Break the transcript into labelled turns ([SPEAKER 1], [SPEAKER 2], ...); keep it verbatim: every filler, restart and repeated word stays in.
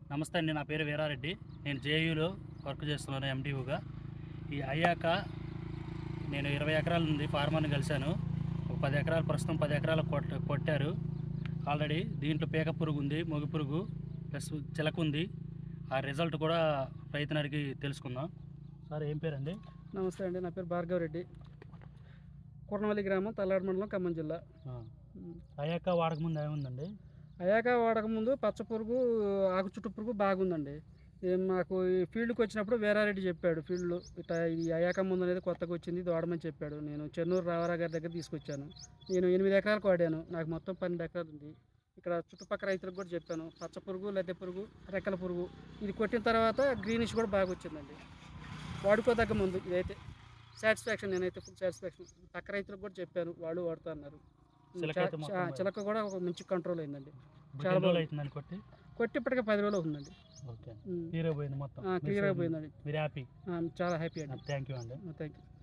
[SPEAKER 1] నమస్తే అండి, నా పేరు వీరారెడ్డి. నేను జేయూలో వర్క్ చేస్తున్నాను ఎండిఓగా. ఈ అయ్యాక నేను ఇరవై ఎకరాల నుండి ఫార్మర్ని కలిశాను. ఒక పది ఎకరాలు ప్రస్తుతం పది ఎకరాలు కొట్ట కొట్టారు ఆల్రెడీ. దీంట్లో పీక పురుగు ఉంది, మొగి పురుగు ప్లస్ చిలక ఉంది. ఆ రిజల్ట్ కూడా రైతునడికి తెలుసుకుందాం. సార్ ఏం పేరండి?
[SPEAKER 2] నమస్తే అండి, నా పేరు భార్గవ్ రెడ్డి. కుర్నవల్లి గ్రామం, తల్లాడు మండలం, ఖమ్మం జిల్లా.
[SPEAKER 1] అయ్యాక వాడకముందు ఏముందండి?
[SPEAKER 2] అయ్యాక వాడకముందు పచ్చ పురుగు, ఆకు చుట్టు పురుగు బాగుందండి. ఏం మాకు ఈ ఫీల్డ్కి వచ్చినప్పుడు వీరారెడ్డి చెప్పాడు, ఫీల్డ్లో ఇట్లా ఈ అయ్యాక ముందు అనేది కొత్తగా వచ్చింది, ఇది వాడమని చెప్పాడు. నేను చెన్నూరు రావారా గారి దగ్గర తీసుకొచ్చాను. నేను ఎనిమిది ఎకరాలకు వాడాను, నాకు మొత్తం పన్నెండు ఎకరాలు ఉంది. ఇక్కడ చుట్టుపక్కల రైతులకు కూడా చెప్పాను, పచ్చ పురుగు, లద్దె పురుగు, రెక్కల పురుగు ఇది కొట్టిన తర్వాత గ్రీనిష్ కూడా బాగా వచ్చిందండి. వాడుకోదగ్గ ముందు ఇదైతే సాటిస్ఫాక్షన్, నేనైతే ఫుల్ సాటిస్ఫాక్షన్. పక్క రైతులకు కూడా చెప్పాను, వాళ్ళు వాడుతా అన్నారు. చిలక కూడా ఒక మంచి కంట్రోల్ అయిందండి. చాలా బాగా
[SPEAKER 1] కొట్టి
[SPEAKER 2] కొట్టి ఇప్పటికే పది రోజులు అవుతుందండి.
[SPEAKER 1] క్లియర్ అయిపోయింది మొత్తం.
[SPEAKER 2] క్లియర్ అయిపోయిందండి.
[SPEAKER 1] మీరు హ్యాపీ?
[SPEAKER 2] చాలా హ్యాపీ అండి.
[SPEAKER 1] థ్యాంక్ యూ అండి.
[SPEAKER 2] Thank you.